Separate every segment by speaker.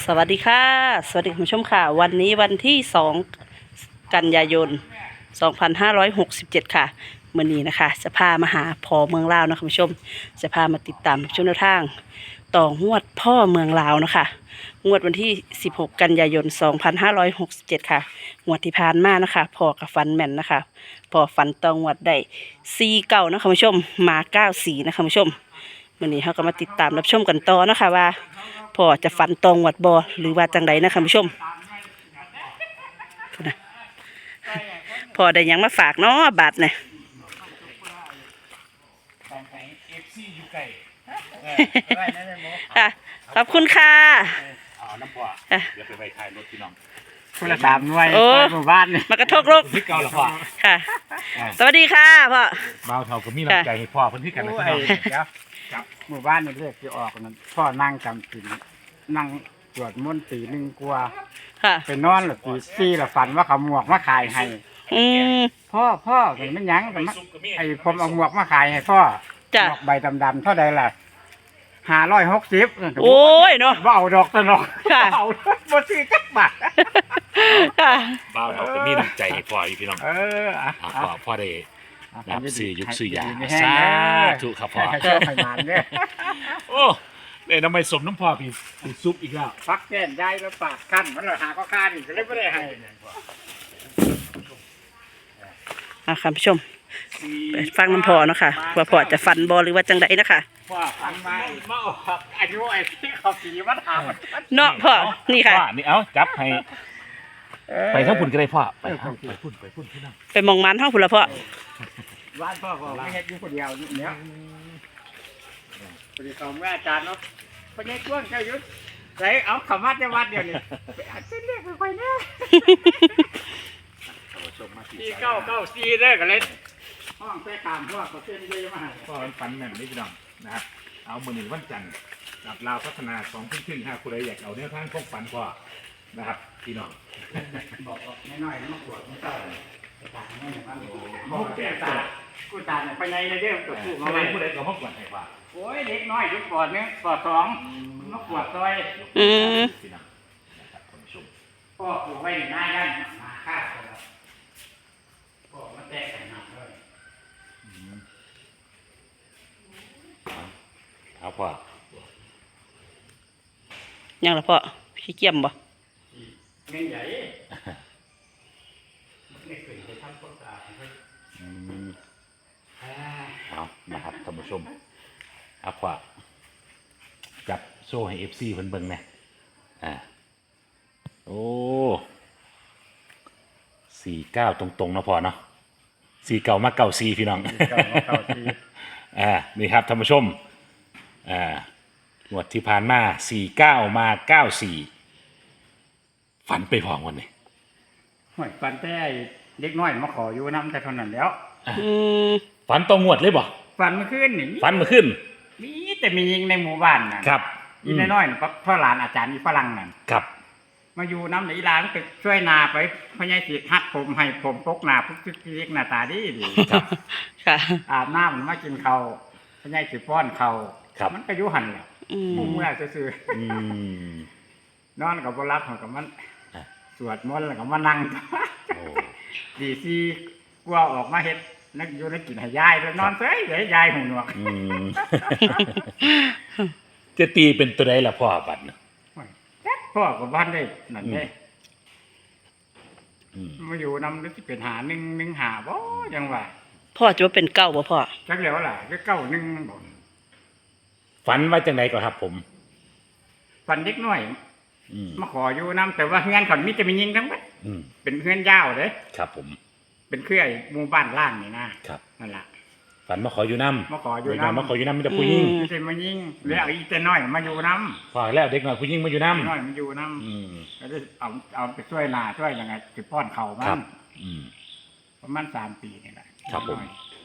Speaker 1: สวัสดีค่ะสวัสดีคุณผู้ชมค่ะวันนี้วันที่2กันยายน2567ค่ะมื้อนี้นะคะจะพามาหาพ่อเมืองลาวนะคุณผู้ชมจะพามาติดตามช่วงแนวทางต่องวดพ่อเมืองลาวนะคะงวดวันที่16กันยายน2567ค่ะงวดที่ผ่านมานะคะพ่อกับฟันแม่นนะคะพ่อฟันต่องวดได้4 เก้านะคุณผู้ชมมา9 4นะคุณผู้ชมมื้อนี้เราก็มาติดตามรับชมกันต่อนะคะว่าพ่อจะฟันตรงวัดบอหรือว่าจังไดนะคุณผู้ชมพ่อได้หยังมาฝากเนาะบาทเนี่ยค่ะขอบคุณค่ะ
Speaker 2: น้ำพ่อเดี๋ยวไปถ่ายรถพี่น้อง
Speaker 3: คนละ3 หน่วยหมู่บ้านนี่
Speaker 1: มากระทกโลก
Speaker 2: พี่เก่าหรอพ่อ
Speaker 1: ค่ะสวัสดีค่ะพ่อ
Speaker 2: เมาเท่ากับมีน้ำใจให้พ่อคนที่กันนะพี่น้อง
Speaker 3: กับหมู่บ้านนี่เรียกที่ออกนั่นพ่อนั่งจำศีลนั่งสวดมนต์ตี 1 กว่าไปนอนหลับตี 4แล้วฝันว่าเขาหมวกมาขายให้พ่อเป็นมันยังไอ้ผมเอาหมวกมาขายให้พ่อดอกใบดำๆเท่าใดล่ะ560
Speaker 1: โอ้ยเนาะ
Speaker 3: บ่เอาดอกตะนอกเอาบ่ซื้อจักบาท
Speaker 2: เมาเท่ากับมีน้ำใจให้พ่ออยู่พี่น้องพ่อได้รับซื้อยุกซื้อยาสาธุครับพ่อโอ้เนี่ยทำไมสมน้ำพ่อพี่ซุปอีกแล้ว
Speaker 3: ฟักแก้นได้แล้วปากขั้นมันหาก็ค่านี่ก็เลยไม่ได้ให้
Speaker 1: ค่ะผู้ชมไปฟังน้ำพ่อเนาะค่ะว่าพ่อจะฟันบอหรือว่าจังไดนะคะ
Speaker 3: พ่อฟันมาอายุไอ้ที่เขาสีมาถาม
Speaker 1: เนาะพ่อนี่ค่ะ
Speaker 2: นี่เอาจับให้ไปทั้งพุ่นก็ได้พ่อไปพุ่นพี่น้อง
Speaker 1: ไปมองมันห้องพุ่นละพ่อ
Speaker 3: บ้านพ่อไม่เฮ็ดอยู่คนเดียวเนี่ยพอดีเขาแม่อาจารย์เนาะพอดีช่วงเจ้ายุทธใส่เอาขมัดจะวัดเดียวนี่ไปอาจจะเรียกไปแน่494ได้กันเลยห้องแป้ตามพ่อเขาเส้นเยอะมาก
Speaker 2: พ่อฟันแม่นนี่พี่น้องนะครับเอามื้อนี้วันจันทร์กับลาวพัฒนา2 ทุ่มครึ่งคุณใดอยากเอาแนวทางพวกฟันพ่อนะครับพี่น้อง
Speaker 3: บอกน้อยๆมาขวดไม่ต้องตาไม่เหมือนกันบอกแก่ตากูตาเนี่ยไปไหนเลยเด้อตัวผู้มาไว้
Speaker 2: ผู้ใดก็มาขวดให้ว่า
Speaker 3: โอ้ยเด็กน้อยยุคก่อนเนี่ยก่อน2มาขวดซอย
Speaker 2: พี่น้องนะครับคุณผู้ชม
Speaker 3: พ่อปลูกไว้หน้าด้านมาฆ่าคนละพ่อมาแตกใส่หนักเลย
Speaker 2: เอาพ่อ
Speaker 1: ยังละพ่อขี้เกียจบ่
Speaker 3: เงินใหญ่ไม่เคยไปทำความสะอาด
Speaker 2: เอานะครับท่านผู้ชมเอาพ่อจับโซ่ให้ FC เพิ่นเบิ่งนะโอ้49ตรงๆนะพ่อเนาะ49มา94พี่น้องนี่ครับท่านผู้ชมงวดที่ผ่านมา49มา94ฝันไปพร้อมกันนี่
Speaker 3: ฝันแต่เด็กน้อยมาขออยู่น้ำแต่เท่านั้นแล้ว
Speaker 2: ฝันตรงงวดเลยบ่
Speaker 3: ฝันเมื่อคืนนี่
Speaker 2: ฝันเมื่อคืน
Speaker 3: นี่แต่มียิงในหมู่บ้านน่ะ
Speaker 2: ครับ
Speaker 3: อีน้อยๆพ่อหลานอาจารย์อีฝรั่งนั่น
Speaker 2: ครับ
Speaker 3: มาอยู่น้ำไหลหลานไปช่วยนาไปพ่อใหญ่สิฮัดผมให้ผมปกหน้าพุกเล็กหน้าตาดี
Speaker 2: ครับ
Speaker 1: ค่ะ
Speaker 3: อาบน้ำมากินข้าวพ่อใหญ่สิป้อนข้าวมันก็อยู่หั่นแหละมุ่งเมื่อซื่อนอนกับบ่รับกับมันสวดมนต์แล้วก็มานั่งดีซีกลัวออกมาเฮ็ดนักอยู่นักกินให้ยายแล้วนอนเฉยเดี๋ยวยายหูหนวก
Speaker 2: จะตีเป็นตัวใดล่ะพ่อบัดน่ะ
Speaker 3: พ่อกับบ้านได้นั่นได้มาอยู่นำนึกสิเป็นหา1 หาบ่จังว่า
Speaker 1: พ่อจะว่าเป็นเก้าบ่พ่อ
Speaker 3: จักแล้วล่ะคือ9 1บ่
Speaker 2: ฝันว่าจังได๋ก็ครับผม
Speaker 3: ฝันเด็กน้อยมาขออยู่น้ำแต่ว่าเฮือนเขามีแต่มียิงทั้งหมดเป็นเฮือนยาวเด้
Speaker 2: ครับผม
Speaker 3: เป็นเครือหมู่บ้านล่างนี่นะครับนั่นล่ะ
Speaker 2: ฝันมาขออยู่น้ำ
Speaker 3: มาขออยู่น้
Speaker 2: ำมีแต่ผู้หญิง
Speaker 3: มีแต่มายิงแล้วอีแต่น้อยมาอยู่น้ำ
Speaker 2: พอแล้วเด็กน้อยผู้หญิงมาอยู่น้ำ
Speaker 3: น้อยมาอยู่น้ำแล้วเอาไปช่วยนาช่วยยังไงสิป้อนเขามันประมาณ3 ปีนี่แหละ
Speaker 2: ครับผม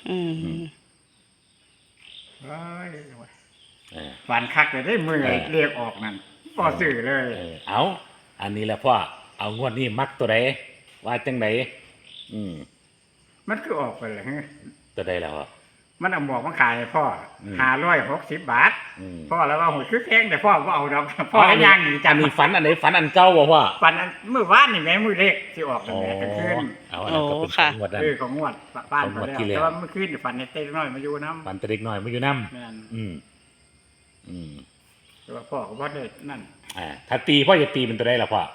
Speaker 3: เฮ้ยฝันคักเลยได้มือเรียกออกนั่นพอสื่อเลย
Speaker 2: เอาอันนี้แหละพ่อเอางวดนี้มักตัวใดว่าจังไหน
Speaker 3: มันคือออกไปเลย
Speaker 2: ตัวใดแล้ว
Speaker 3: มันเอาหมวกมาขายให้พ่อ
Speaker 2: อืม
Speaker 3: 560 บาท
Speaker 2: อืม
Speaker 3: พ่อแล้วว่าโหยคือแพงแต่พ่อบ่เอาดอกพ่อก็ย่างหนี
Speaker 2: อั
Speaker 3: จั
Speaker 2: น
Speaker 3: ง
Speaker 2: นี้ฝันอันไหนฝันอันเก่าบ่พ่อ
Speaker 3: ปันอันมื้อวานนี่แม่มื้อเลขสิออกนั่
Speaker 2: อ๋
Speaker 3: น
Speaker 2: อ
Speaker 3: แหละกลางคืน
Speaker 2: เอาอันนั้นก็เป็น
Speaker 1: ค่ะ
Speaker 2: ของงวดนั้น
Speaker 3: ของงวดบ้าน
Speaker 2: ของง
Speaker 3: เขา
Speaker 2: วด
Speaker 3: แล้ว
Speaker 2: ที่แล้ว
Speaker 3: แต่ว่าเมื่อคืนนี่ฝันเห็นเต้น้อยมาอยู่น้ำ
Speaker 2: ฝันแต่เด็กน้อยมาอยู่น้
Speaker 3: แม่น
Speaker 2: ำอืม
Speaker 3: แต่ว่าพ่อก็บ่ได้นั่น
Speaker 2: ถ้าตีพ่อจะตีเป็นตัวได้ละพ่อ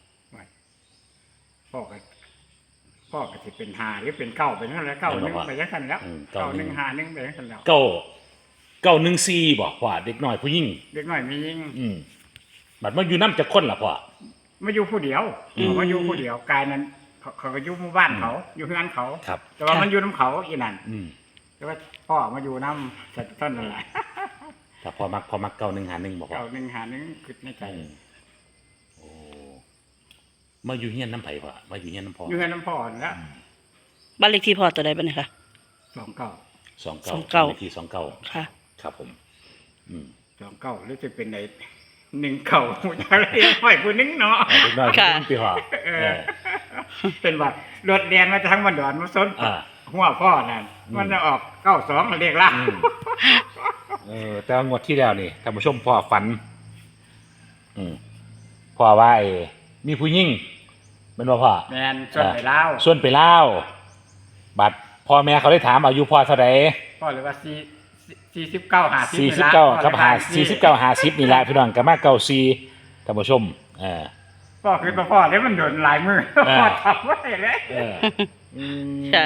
Speaker 3: พ่อก็สิเป็น5หรือเป็น9ไปนั่นแหละ9 1ไปจังซั่นแล้ว
Speaker 2: อืม
Speaker 3: 9 1 5 1ไปจังซั่นแล้ว
Speaker 2: เก้าเก้าหนึ่งสี่บ่พ่อเด็กน้อยผู้หญิง
Speaker 3: เด็กน้อยมียิง
Speaker 2: บัดมาอยู่น้ำจะคนละพ่อ
Speaker 3: มาอยู่ผู้เดียว
Speaker 2: อืม
Speaker 3: มาอยู่ผู้เดียวกายนั้นเขาก็อยู่หมู่บ้านเขาอยู่เฮือนเขา
Speaker 2: ครับ
Speaker 3: แต่ว่ามันอยู่น้ำเขาอีนั่น
Speaker 2: อืม
Speaker 3: แต่ว่าพ่อมาอยู่น้ำสัตว์ต้นนั่นแหละ
Speaker 2: ถ้าพ่อมักเก้าหนึ่งหาหนึ่งบ่พ่อ
Speaker 3: เก่า1 5 1คิดในใจ
Speaker 2: อืมโอ้มาอยู่เฮียนน้ำไผ่พ่อมาอยู่เฮียนน้ำพ่อ
Speaker 3: อยู่เฮือนน้ำพ่อนั่นแหล้ว
Speaker 1: บ้านเลขที่พ่อตัวใดบ้างเนี่ยค่ะ
Speaker 3: 29
Speaker 2: 29เลขที่29
Speaker 1: ค่ะ
Speaker 2: ครับผม อืม
Speaker 3: 29หรือจะเป็นไหน1 9ผู้ชายเรียกห้อยผู้หนึงเนาะ
Speaker 2: เด็กน้อยผู้หญิงพี่พ่อ
Speaker 3: เออ เป็นว่ารถเรียนมาจากทั้งวันดอนมาซ้น
Speaker 2: อ่า
Speaker 3: หัวพ่อนั่น
Speaker 2: อืม
Speaker 3: มันจะออก92เรียกล่าง
Speaker 2: แต่ว่างวดที่แล้วนี่ท่านผู้ชมพ่อฝัน พ่อว่ามีผู้หญิงเป็นว่าพ่อ
Speaker 3: แมนส่วนไปเล่าว
Speaker 2: ส่วนไปเล่าวบัดพ่อแม่เขาได้ถามอายุพ่อเท่าไหร่
Speaker 3: พ่อเลยว่า49 50
Speaker 2: 49กับ49 50นี่แหละพี่น้องก็มา94ท่านผู้ชม
Speaker 3: พ่อคือพ่อเนี่ยมันโดนหลายมือพ่อทำไว้เลย
Speaker 1: ค่ะ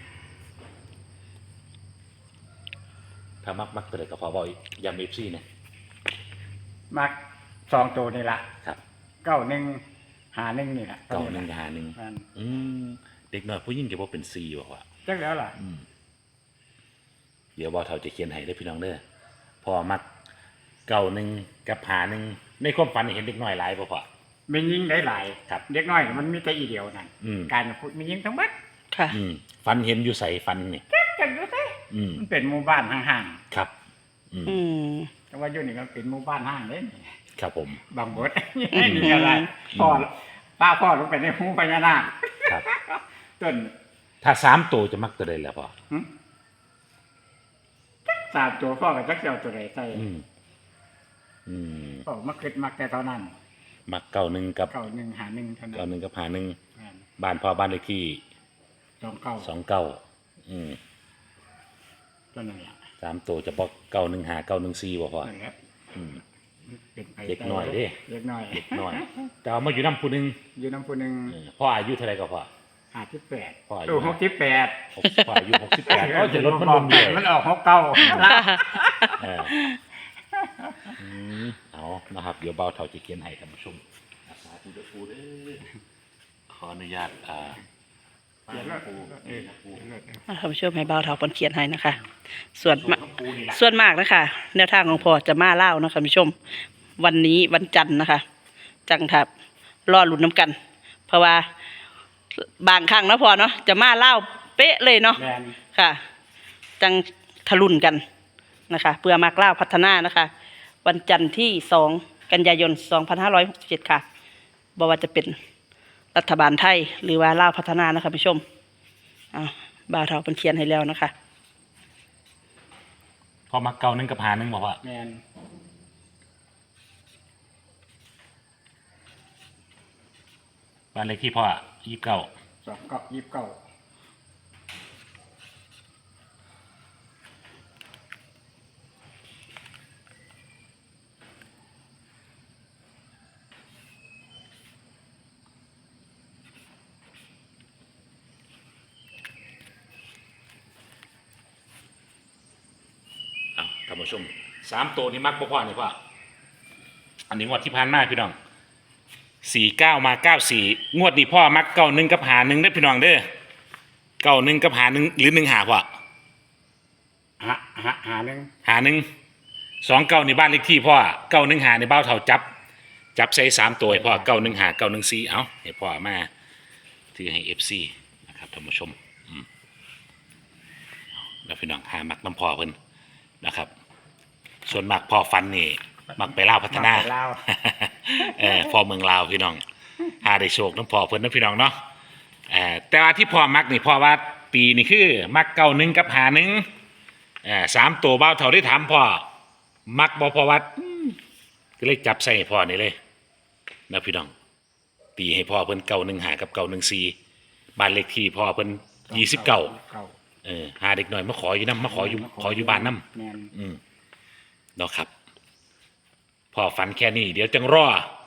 Speaker 2: ถ้ามักตัวใดก็พอบอกอีกย้ำ FC เนี่ย
Speaker 3: มัก2ตัวนี่ล่ะ
Speaker 2: ครับ
Speaker 3: 91 51นี่ล่ะ
Speaker 2: เก้าหนึ่งกับหาหนึ่ง
Speaker 3: มัน
Speaker 2: เด็กน้อยผู้หญิงจะบอกเป็น4บอกว่า
Speaker 3: จักแล้วล่ะ
Speaker 2: เดี๋ยวบ่าวเฒ่าจะเขียนให้เด้อพี่น้องเด้อพอมัก91กับหาหนึ่งในความฝันเห็นเด็กน้อยหลายบ่พ่อ
Speaker 3: มียิงได้หลาย
Speaker 2: ครับ
Speaker 3: เด็กน้อยมันมีแต่อีเดียวนั่น
Speaker 2: อืม
Speaker 3: การพูดมียิงทั้งหมด
Speaker 1: ค่ะ
Speaker 2: ฝันเห็นอยู่ใส่ฝันนี่
Speaker 3: จังอยู่ซิ
Speaker 2: อืม
Speaker 3: มันเป็นหมู่บ้านห่าง
Speaker 2: ครับ
Speaker 1: อืม
Speaker 3: ๆแต่ว่าอยู่นี่มันเป็นหมู่บ้านห้างเด้
Speaker 2: ครับผม
Speaker 3: บางบด นี่อะไรพ่อพ่อลงไปในหูพญานาค
Speaker 2: ครับ
Speaker 3: ต้น
Speaker 2: ถ้า3ตัวจะมักตัวใดแล้วพ่อ
Speaker 3: สามตัวพ่อกับจักเจ้าตัวใดใส่ พ่อมาคิดมักแต่เท่านั้น
Speaker 2: มัก91กับ
Speaker 3: 91 51เท่านั้น
Speaker 2: 91กับหาหนึ่ง
Speaker 3: แม่น
Speaker 2: บ้านพ่อบ้านเลขที่
Speaker 3: 29
Speaker 2: 29
Speaker 3: ตัวนั้นแหละ
Speaker 2: 3ตัวจะบอก915 914บ่พ่อ
Speaker 3: นั่นแหละ
Speaker 2: อืม
Speaker 3: เป็นไป
Speaker 2: เด็กน้อยเด้
Speaker 3: เด็กน้อย
Speaker 2: เด็กน้อยแต่เอามาอยู่น้ำผู้หนึง
Speaker 3: อยู่น้ำผู้หนึง
Speaker 2: พ่ออายุเท่าไหร่ก็พ่อ
Speaker 3: 58
Speaker 2: พ่ออายุ
Speaker 3: ตู้68
Speaker 2: พ่ออายุ68ก็จะลดมันลงเรื่อย
Speaker 3: มันออก69
Speaker 2: เออเอานะครับเดี๋ยวเบาเท่าจะเขียนให้ท่านผู้ชมสาธุเด้อปูเด้อขออนุญาต
Speaker 3: เดี๋ยว
Speaker 2: ปู
Speaker 1: ท่านผู้ชมให้เบาเท่าปนเขียนให้นะคะ ส่วน
Speaker 2: ปูนี่ล่ะ
Speaker 1: ส่วนมากนะคะแนวทางของพ่อจะมาเล่านะคะท่านผู้ชม วันนี้วันจันทร์นะคะ จังทับรอลุ้นน้ำกัน เพราะว่าบางครั้งนะพ่อเนาะจะมาเล่าเป๊ะเลยเนาะ
Speaker 3: แม่น
Speaker 1: ค่ะ จังทะลุนกันนะคะเพื่อมากเล่าพัฒนานะคะ วันจันทร์ที่2 กันยายน 2567 ค่ะบอกว่าจะเป็นรัฐบาลไทยหรือว่าเล่าวพัฒนานะคะผู้ชมบ่าวเทาเป็นเขียนให้แล้วนะคะ
Speaker 2: พอมัก1กับหา1บอกว่า
Speaker 3: แม่น
Speaker 2: บ้านเลขที่พ่อ29
Speaker 3: 29
Speaker 2: ท่านผู้ชม3ตัวนี้มักบ่พ่อนี่พ่ออันนี้งวดที่ผ่านมาพี่น้อง49มา94งวดนี้พ่อมัก91กับหา1เด้อพี่น้องเด้อ91กับหา1หรือ1หาพ่อ
Speaker 3: หาหนึ่ง
Speaker 2: หา1 29นี่บ้านเลขที่พ่อ91หาในบ้าวเฒ่าจับใส่3ตัวให้พ่อ91หา914เอ้าให้พ่อมาถือให้ FC นะครับท่านผู้ชมแล้วพี่น้องหามักน้ำพ่อเพิ่นนะครับ ส่วนมากพ่อฟันนี่มักไปลาวพัฒนา
Speaker 3: ไปลาว
Speaker 2: พ่อเมืองลาวพี่น้องหาได้โชคน้ำพ่อเพิ่นนะพี่น้องเนาะแต่ว่าที่พ่อมักนี่พ่อว่าปีนี่คือมัก91กับหา1 3ตัวเบ้าเท่าได้ถามพ่อมักบ่พอวัดก็เลยจับใส่ให้พ่อนี่เลยนะพี่น้องตีให้พ่อเพิ่น915กับ914บ้านเลขที่พ่อเพิ่น29หาเด็กหน่อยมาขออยู่นำมาขออยู่บ้านนำ
Speaker 3: แม่น
Speaker 2: เนาะครับพ่อฝันแค่นี้เดี๋ยวจังรอ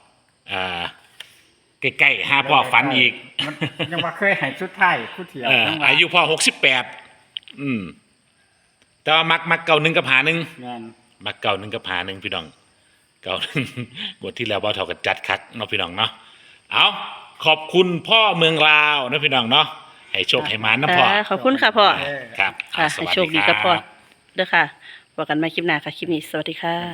Speaker 2: ใกล้ๆหาพ่อฝันอีก
Speaker 3: มันยังว่าเคยให้สุดท้ายคู่เถียวยังว่า
Speaker 2: อายุพ่อ68แต่ว่ามักเก่า1กับหา1
Speaker 3: แม่น
Speaker 2: มักเก่า1กับหา1พี่น้องเก่า1บทที่แล้วบ่เท่ากับจัดคักเนาะพี่น้องเนาะเอาขอบคุณพ่อเมืองลาวนะพี่น้องเนาะให้โชคให้หมานนะพ่อ
Speaker 1: ขอบคุณค่ะพ่อ
Speaker 2: ครับ
Speaker 1: ค่ะ
Speaker 2: ส
Speaker 1: ให้
Speaker 2: วัส
Speaker 1: โช
Speaker 2: ดี
Speaker 1: คดี
Speaker 2: ค
Speaker 1: กั
Speaker 2: รั
Speaker 1: บบ พ่อเด้อค่ะว่ากันใหม่คลิปหน้าค่ะคลิปนี้สวัสดีค่ะ